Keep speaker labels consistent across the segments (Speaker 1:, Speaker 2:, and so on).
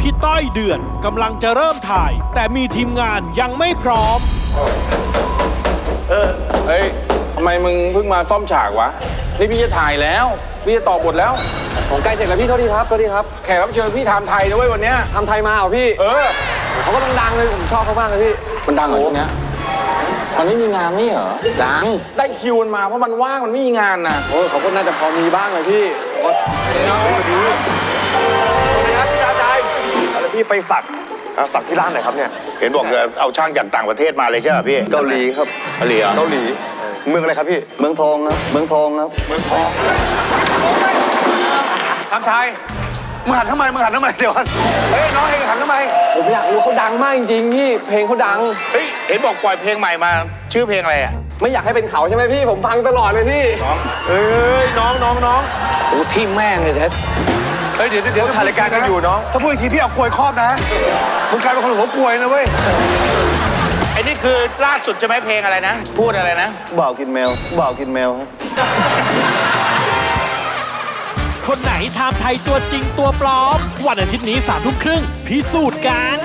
Speaker 1: พี่ต้อยเดือนกำลังจะเริ่มถ่ายแต่มีทีมงานยังไม่พร้อม
Speaker 2: เฮ้ยทำไมมึงเพิ่งมาซ่อมฉากวะนี่พี่จะถ่ายแล้วพี่จะต่อบทแล้ว
Speaker 3: ผมใกล้เสร็จแล้วพี่โทษทีครับ
Speaker 2: แขกรับเชิญพี่ทำไทยนะเว้ยวันเนี้ย
Speaker 3: ทำไทยมาเหรอพี่เขาก็ดังเลยผมชอบเขามากเลยพี่
Speaker 2: มันดังเหรอช่วงเนี้ยมันไม่มีงานนี่เหรอดังได้คิวมันมาเพราะมันว่างมันไม่มีงานนะ
Speaker 3: เขาก็น่าจะพอมีบ้างเลยพี่
Speaker 4: ดีครับพี่ชายแล้วพี่ไปสักที่ร้านไหนครับเนี่ย
Speaker 5: เห็นบอกเอาช่างจากต่างประเทศมาเลยใช่ไหมพี่
Speaker 4: เกาหลีครับ
Speaker 5: เกาหลีเหรอ
Speaker 4: เกาหลีเมืองอะไรครับพี่เมืองทองครับเมืองทองทำไทยมึงหันทำไมเดี๋ยวเฮ้ยน้องเองหันทำไม
Speaker 3: ผมอยากรู้เขาดังมากจริงๆพี่เพลงเขาดัง
Speaker 5: เฮ้ยเห็นบอกปล่อยเพลงใหม่มาชื่อเพลงอะไรอ่ะ
Speaker 3: ไม่อยากให้เป็นเขาใช่ไหมพี่ผมฟังตลอดเลยพี่
Speaker 4: เอ้ยน้อง
Speaker 5: โอ้ที่แม่งเลยแท้
Speaker 4: เฮ้ยเดี๋ยวถ่ายรายการกันอยู่น้องถ้าพูดอีกทีพี่เอากลวยครอบนะมึงกลายเป็นคนหัวกลวยนะเว้ย
Speaker 5: ไอ้นี่คือล่าสุดใช่ไหมเพลงอะไรนะพูดอะไรนะ
Speaker 4: บ่าวกินแมวครับ
Speaker 1: คนไหนไทม์ไทยตัวจริงตัวปลอมวันอาทิตย์นี้21:30พิสูจน์กัน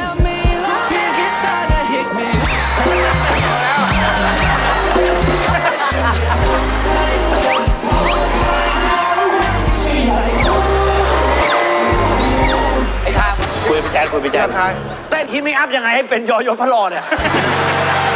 Speaker 5: คุยไปแจ๊ด
Speaker 4: เต้นฮิตไม่อัพยังไงให้เป็นยอยศพระรอเนี่ย